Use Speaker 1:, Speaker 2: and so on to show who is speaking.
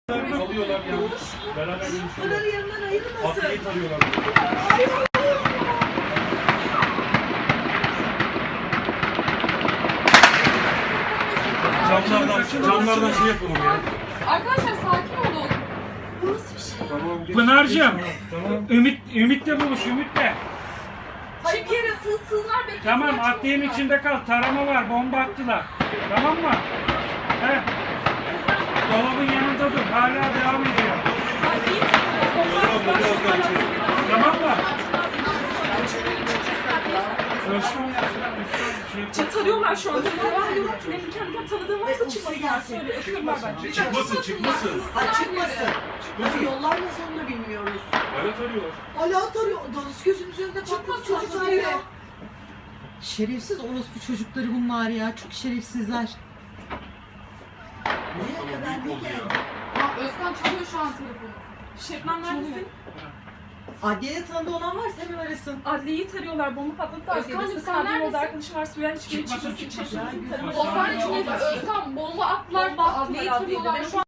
Speaker 1: Alıyorlar yani. Beraber görüşüyorlar.
Speaker 2: Bunların yanından ayrılmasın.
Speaker 1: Adliyeyi tarıyorlar. Camlardan şey yapalım ya.
Speaker 3: Arkadaşlar sakin olun.
Speaker 2: Bu nasıl bir şey?
Speaker 1: Tamam.
Speaker 4: Pınar'cığım,
Speaker 1: Tamam.
Speaker 4: Ümit'le buluş, Ümit'le.
Speaker 3: Hayır bir yere sığsınlar beklesin.
Speaker 4: Tamam, adliyenin içinde kal. Tarama var, bomba attılar. Tamam mı? He. Dolabın yanında dur, hala devam ediyor. Tamam mı?
Speaker 3: Çatalıyorlar şu anda. Benim kendi tanıdığım varsa çıkmasınlar. Söyle öpüyorlar bence.
Speaker 1: Çıkmasın.
Speaker 2: Çıkmasın. Nasıl yollar nasıl onu da bilmiyoruz.
Speaker 1: Hala tarıyorlar.
Speaker 2: Hala tarıyor. Dalış gözümüzün önünde patladı çocuklar ya.
Speaker 5: Şerefsiz orospu çocukları bunlar ya. Çok şerefsizler.
Speaker 2: Nereye kadar ne geldi?
Speaker 3: Özkan çalıyor şu an telefonu. Şebnem neredesin?
Speaker 5: Adliyede tanıdığı olan varsa hemen arasın.
Speaker 3: Adliyeyi tarıyorlar. Bomba patladı da Özkan'cığım sen neredesin? Arkadaşım var suya hiçbir
Speaker 4: Çıkmasın,
Speaker 3: çıkmasın.
Speaker 4: çıkmasın.
Speaker 3: Özkan içinde Özkan bomba attılar. Adliyeyi tarıyorlar. Şu an